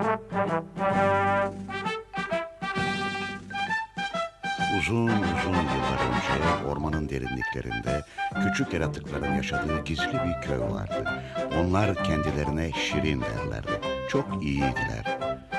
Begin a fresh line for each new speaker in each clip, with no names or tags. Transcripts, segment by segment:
Uzun uzun yıllar önce ormanın derinliklerinde küçük yaratıkların yaşadığı gizli bir köy vardı. Onlar kendilerine Şirin derlerdi. Çok iyiydiler.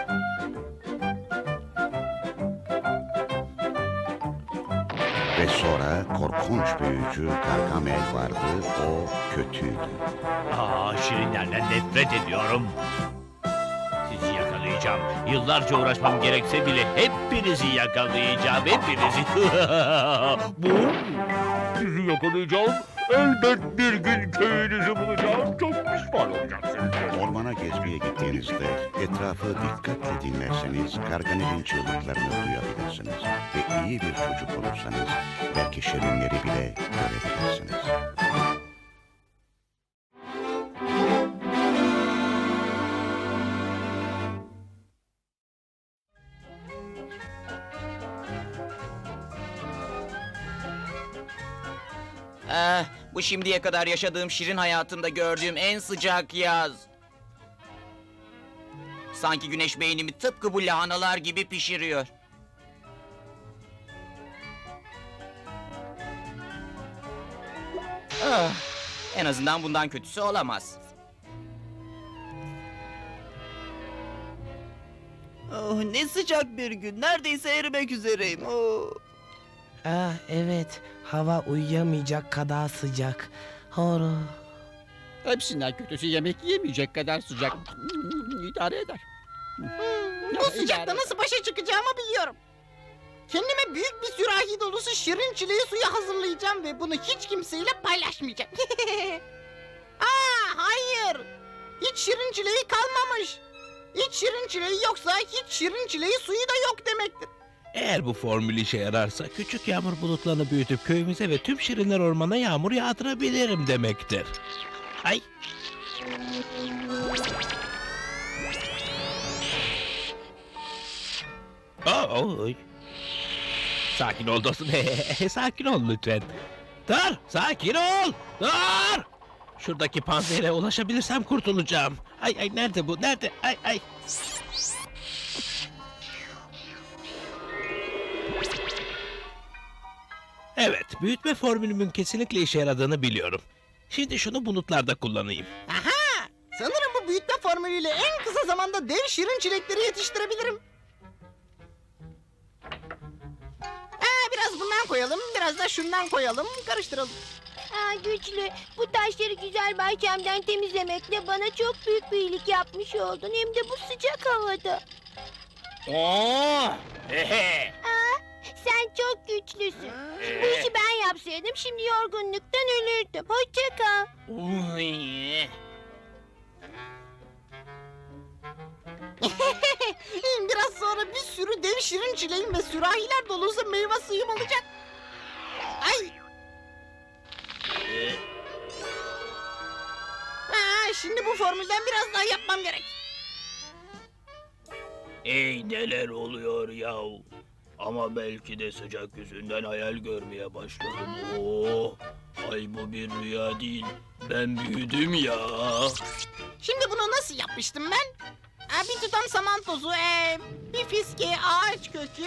Ve sonra korkunç büyücü Gargamel vardı. O kötüydü.
Şirinlerden nefret ediyorum. Sizi yakalayacağım. Yıllarca uğraşmam gerekse bile hepinizi yakalayacağım. Hepinizi. Bu? Sizi yakalayacağım. Elbet bir gün köyünüzü bulacağım. Çok pişman olacaksınız.
Ormana gezmeye gittiğinizde etrafı dikkatle dinlerseniz Gargamel'in çığlıklarını duyabilirsiniz. Ve iyi bir çocuk olursanız belki şirinleri bile görebilirsiniz.
Bu şimdiye kadar yaşadığım şirin hayatımda gördüğüm en sıcak yaz. Sanki güneş beynimi tıpkı bu lahanalar gibi pişiriyor. En azından bundan kötüsü olamaz.
Oh, ne sıcak bir gün. Neredeyse erimek üzereyim. Oh.
Evet, hava uyuyamayacak kadar sıcak. Horo.
Hepsinden kötüsü yemek yiyemeyecek kadar sıcak. İdare eder.
Bu sıcakta nasıl başa çıkacağımı biliyorum. Kendime büyük bir sürahi dolusu şirin çileği suyu hazırlayacağım ve bunu hiç kimseyle paylaşmayacağım. Hayır. Hiç şirin çileği kalmamış. Hiç şirin çileği yoksa hiç şirin çileği suyu da yok demektir.
Eğer bu formül işe yararsa küçük yağmur bulutlarını büyütüp köyümüze ve tüm şirinler ormana yağmur yağdırabilirim demektir. Ay. Oy. Sakin ol dostum. Sakin ol lütfen. Dur, sakin ol. Dur. Şuradaki panzehre ulaşabilirsem kurtulacağım. Ay nerede bu? Nerede? Ay. Evet, büyütme formülümün kesinlikle işe yaradığını biliyorum. Şimdi şunu bulutlarda kullanayım.
Aha! Sanırım bu büyütme formülüyle en kısa zamanda dev şirin çilekleri yetiştirebilirim. Biraz bundan koyalım, biraz da şundan koyalım, karıştıralım.
Güçlü, bu taşları güzel bahçemden temizlemekle bana çok büyük bir iyilik yapmış oldun. Hem de bu sıcak havada. Sen çok güçlüsün. Bu işi ben yapsaydım şimdi yorgunluktan ölürdüm. Hoşça kal.
Biraz sonra bir sürü dev şirin çileğim ve sürahiler dolusu meyve suyum olacak. Ay! Şimdi bu formülden biraz daha yapmam gerek.
Neler oluyor yahu? Ama belki de sıcak yüzünden hayal görmeye başladım. Ay bu bir rüya değil. Ben büyüdüm ya.
Şimdi bunu nasıl yapmıştım ben? Bir tutam saman tozu, bir fiske ağaç kökü,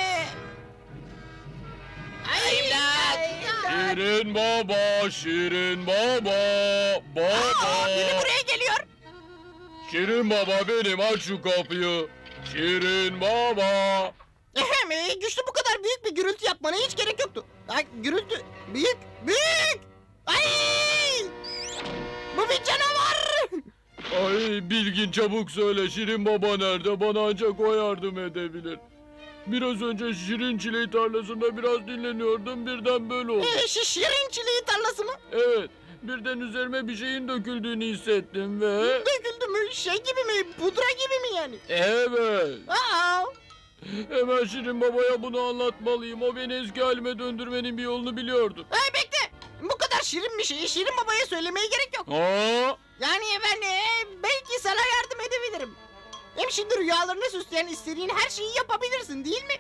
Şirin baba, Şirin baba,
biri buraya geliyor.
Şirin baba benim, aç şu kapıyı. Şirin baba.
Güçlü bu kadar büyük bir gürültü yapmana hiç gerek yoktu. Gürültü, büyük. Ay! Bu bir canavar.
Ay Bilgin çabuk söyle, Şirin baba nerede? Bana ancak o yardım edebilir. Biraz önce şirin çileği tarlasında biraz dinleniyordum, birden böyle oldu.
Şirin çileği tarlası mı?
Evet, birden üzerime bir şeyin döküldüğünü hissettim ve...
Döküldü mü? Şey gibi mi? Pudra gibi mi yani?
Evet.
Aa!
Hemen Şirin babaya bunu anlatmalıyım. O beni eski halime döndürmenin bir yolunu biliyordu.
Bekle! Bu kadar şirin bir şeyi Şirin babaya söylemeye gerek yok.
Aa!
Yani ben belki sana yardım edebilirim. Hem şimdi rüyalarını süsleyen istediğin her şeyi yapabilirsin değil mi?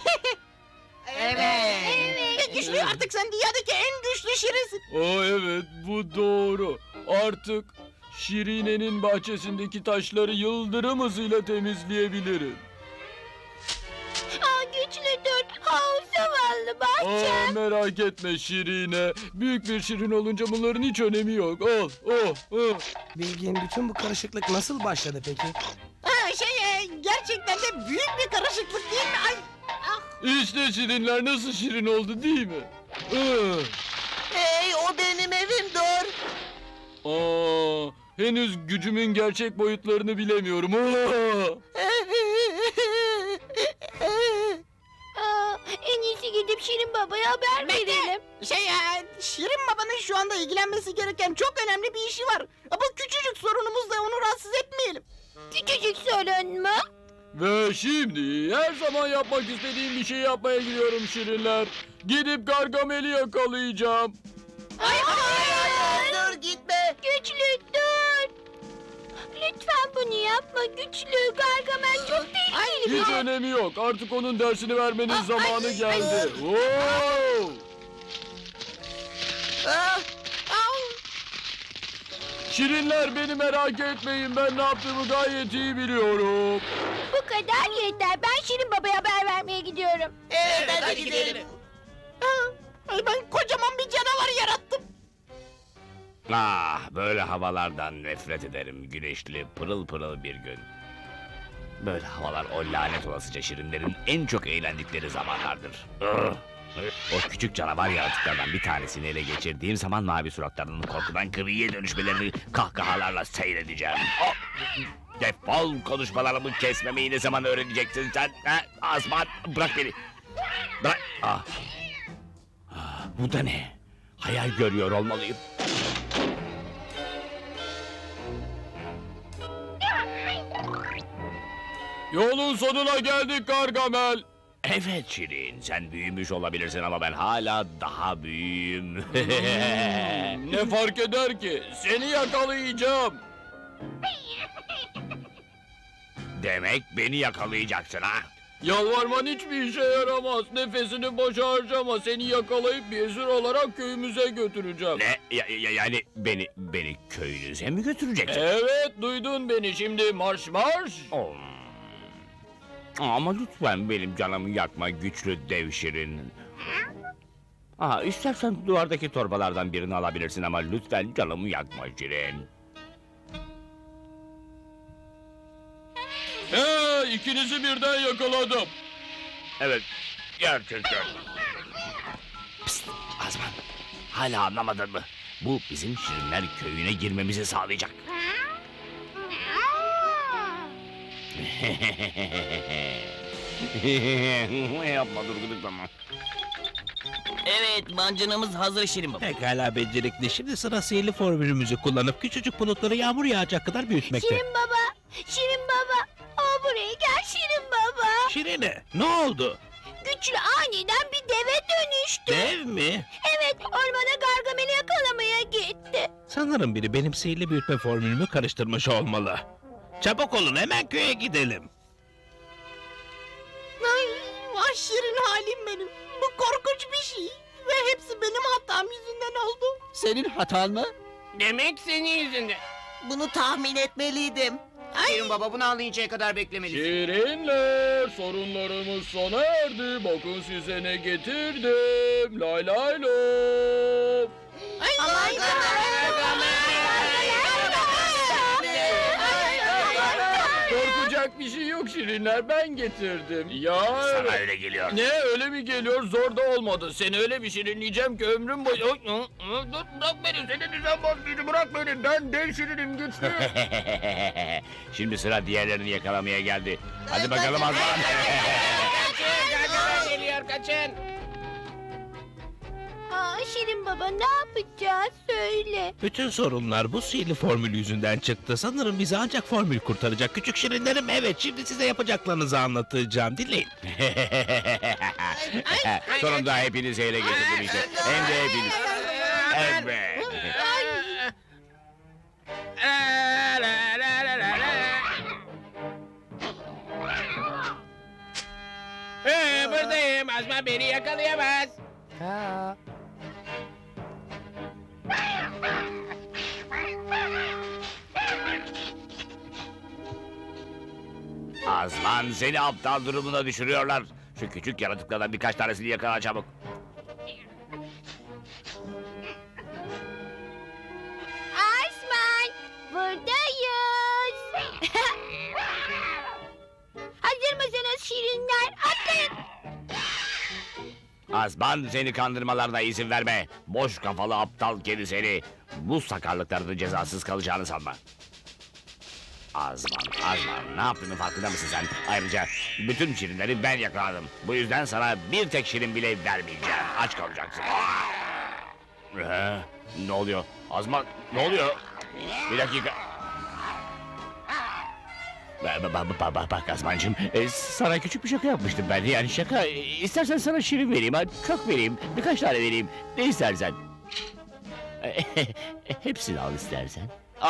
Evet. Güçlü, artık sen dünyadaki en güçlü şirinsin.
Evet, bu doğru. Artık Şirine'nin bahçesindeki taşları yıldırım hızıyla temizleyebilirim.
Aa, güçlü dur. Aa, zavallı bahçem.
Merak etme Şirine. Büyük bir şirin olunca bunların hiç önemi yok. Al,
Bilgin, bütün bu karışıklık nasıl başladı peki?
Gerçekten de büyük bir karışıklık değil mi? Ay.
İşte şirinler nasıl şirin oldu değil mi?
Hey, o benim evim, dur.
Henüz gücümün gerçek boyutlarını bilemiyorum.
Aa, en iyisi gidip Şirin Baba'ya haber verelim.
Şirin babanın şu anda ilgilenmesi gereken çok önemli bir işi var. Bu küçücük sorunumuzla onu rahatsız etmeyelim.
Küçücük sorun mu?
Ve şimdi her zaman yapmak istediğim bir şey yapmaya gidiyorum şirinler. Gidip Gargamel'i yakalayacağım.
Dur, gitme.
Güçlü dur. Lütfen bunu yapma Güçlü. Gargamel çok tehlikeli
Hiç
bir...
önemi yok. Artık onun dersini vermenin zamanı geldi. Wow!
Ah,
Şirinler beni merak etmeyin. Ben ne yaptığımı gayet iyi biliyorum.
Bu kadar yeter. Ben Şirin Baba'ya haber vermeye gidiyorum.
evet, hadi gidelim.
Ben kocaman bir canavar yarattım.
Ah, böyle havalardan nefret ederim. Güneşli, pırıl pırıl bir gün. Böyle havalar o lanet olasıca şirinlerin en çok eğlendikleri zamanlardır. O küçük canavar yaratıklardan bir tanesini ele geçirdiğim zaman mavi suratlarının korkudan griye dönüşmelerini kahkahalarla seyredeceğim. Oh! Defol, konuşmalarımı kesmemeyi ne zaman öğreneceksin sen? Ha? Azman, bırak beni. Bırak. Bu da ne? Hayal görüyor olmalıyım.
Yolun sonuna geldik Gargamel.
Evet Şirin, sen büyümüş olabilirsin ama ben hala daha büyüğüm.
Ne fark eder ki? Seni yakalayacağım.
Demek beni yakalayacaksın ha?
Yalvarman hiçbir işe yaramaz. Nefesini boşa harcama. Seni yakalayıp bir esir olarak köyümüze götüreceğim.
Ne? Yani beni köyünüze mi götüreceksin?
Evet, duydun beni. Şimdi marş marş.
Oh. Ama lütfen benim canımı yakma güçlü dev Şirin. İstersen duvardaki torbalardan birini alabilirsin ama lütfen canımı yakma Şirin.
İkinizi birden yakaladım.
Evet, gerçekten. Psst, Azman. Hala anlamadın mı? Bu bizim Şirinler köyüne girmemizi sağlayacak. Yapma, dur gıdıklama.
Evet, mancınımız hazır Şirin Baba.
Pekala becerikli. Şimdi sıra sihirli formülümüzü kullanıp küçücük bulutları yağmur yağacak kadar büyütmekte.
Şirin Baba, Şirin Baba. Aa, buraya gel Şirin Baba.
Şirine, ne oldu?
Güçlü aniden bir deve dönüştü.
Dev mi?
Evet, ormana Gargamel'i yakalamaya gitti.
Sanırım biri benim sihirli büyütme formülümü karıştırmış olmalı. Çabuk olun, hemen köye gidelim.
Ay, vah şirin halim benim. Bu korkunç bir şey. Ve hepsi benim hatam yüzünden oldu.
Senin hatan mı?
Demek senin yüzünden.
Bunu tahmin etmeliydim.
Şirin Baba bunu anlayıncaya kadar beklemelisin.
Şirinler, sorunlarımız sona erdi. Bakın size ne getirdim. Lay lay lom.
Ay,
Korkacak bir şey yok Şirinler, ben getirdim. Ya
Sana öyle geliyor.
ne öyle mi geliyor? Zor da olmadı. Seni öyle bir şirinleyeceğim ki ömrüm boyu... Dur, bırak beni, seni düzen bozucu, bırak beni. Ben dev şirinim, güçlü.
Şimdi sıra diğerlerini yakalamaya geldi. Hadi bakalım Azman.
Geliyor, kaçın.
Aa, Şirin Baba ne yapacağız söyle.
Bütün sorunlar bu sihirli formül yüzünden çıktı. Sanırım bizi ancak formül kurtaracak. Küçük şirinlerim, evet, şimdi size yapacaklarınızı anlatacağım. Dinleyin.
Sonunda hepinizi ele getirdim işte. Hem de hepiniz. Evet.
Buradayım. Azman beni yakalayamaz.
Azman seni aptal durumuna düşürüyorlar. Şu küçük yaratıklardan birkaç tanesini yakala çabuk.
Asman, buradayız. Hazır mısınız şirinler? Atlayın.
Azman seni kandırmalarına izin verme. Boş kafalı aptal kedi seni. Bu sakarlıklarının cezasız kalacağını sanma. Azman, ne yaptığının farkında mısın sen? Ayrıca bütün şirinleri ben yakaladım. Bu yüzden sana bir tek şirin bile vermeyeceğim. Aç kalacaksın. Ne oluyor? Azman, ne oluyor? Bir dakika. Bak Azmancığım, sana küçük bir şaka yapmıştım ben. Yani şaka, istersen sana şirin vereyim, çok vereyim, birkaç tane vereyim. Ne istersen. Hepsini al istersen.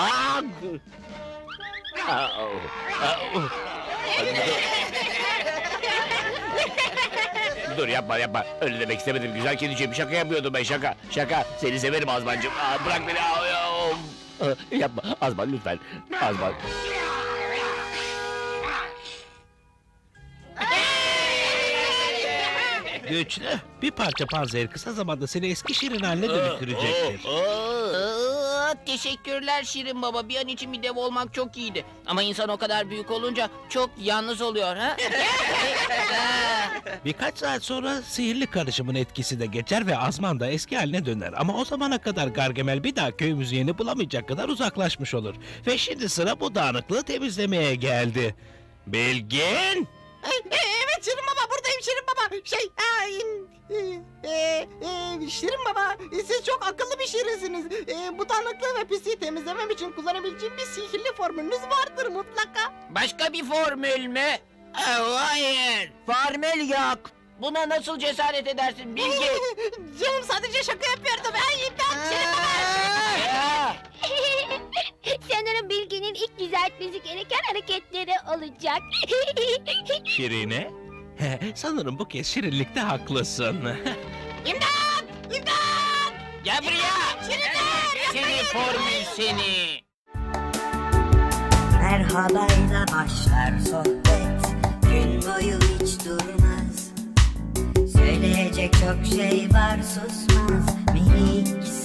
Dur yapma. Öyle demek istemedim. Güzel kediciğim, şaka yapıyordum ben, şaka. Seni severim Azmancığım. Bırak beni. Yapma Azman lütfen. Azman.
Güçlü. Bir parça panzer kısa zamanda seni eski şirin haline dönüştürecektir.
Teşekkürler Şirin Baba. Bir an için bir dev olmak çok iyiydi. Ama insan o kadar büyük olunca çok yalnız oluyor ha?
Birkaç saat sonra sihirli karışımın etkisi de geçer ve Azman da eski haline döner. Ama o zamana kadar Gargamel bir daha köyümüzün yerini bulamayacak kadar uzaklaşmış olur. Ve şimdi sıra bu dağınıklığı temizlemeye geldi. Bilgin!
Evet Şirin Baba, buradayım Şirin Baba. Şirin Baba, siz çok akıllı bir şirinsiniz. Bu dağınıklığı ve pisliği temizlemem için kullanabileceğim bir sihirli formülünüz vardır mutlaka.
Başka bir formül mü? Hayır. Formül yok. Buna nasıl cesaret edersin Bilge?
Canım sadece şaka yapıyordum. İmdat Şirin Baba.
Sanırım Bilge'nin ilk düzeltmesi gereken hareketleri olacak.
Şirine? Sanırım bu kez şirinlikte haklısın.
İmdat!
Gel buraya. Seni formül seni.
Merhabayla başlar sohbet, gün boyu hiç durmaz. Söyleyecek çok şey var, susmaz minik